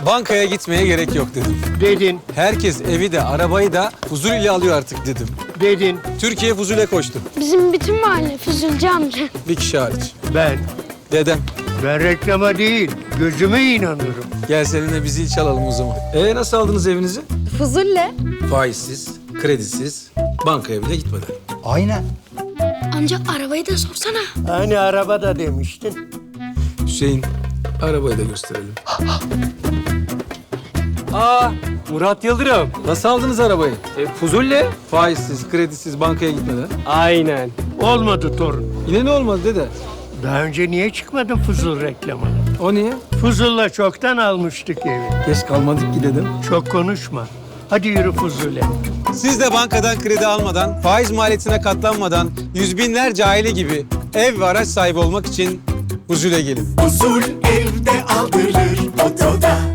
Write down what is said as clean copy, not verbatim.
Bankaya gitmeye gerek yok dedim. Dedin, Herkes evi de arabayı da Fuzul ile alıyor artık dedim. dedin. Türkiye Fuzul'e koştu. Bizim bütün mahalle Füzulcu amca. Bir kişi hariç. Ben. Dedem. Ben reklama değil, gözüme inanırım. Gel seninle bir zil çalalım o zaman. Nasıl aldınız evinizi? Fuzulle. Faizsiz, kredisiz, bankaya bile gitmeden. Aynen. Amca arabayı da sorsana. Hani arabada demiştin. Hüseyin, arabayı da gösterelim. Murat Yıldırım. Nasıl aldınız arabayı? Fuzulle. Faizsiz, kredisiz, bankaya gitmeden. Aynen. Olmadı torun. Yine ne olmadı dede? Daha önce niye çıkmadın Fuzul reklamına? O niye? Fuzul'la çoktan almıştık evi. Geç kalmadık ki dedim. Çok konuşma. Hadi yürü Fuzul'e. Siz de bankadan kredi almadan, faiz maliyetine katlanmadan, yüz binlerce aile gibi ev ve araç sahibi olmak için Fuzul'e gelin. Huzur evde aldırır otoda.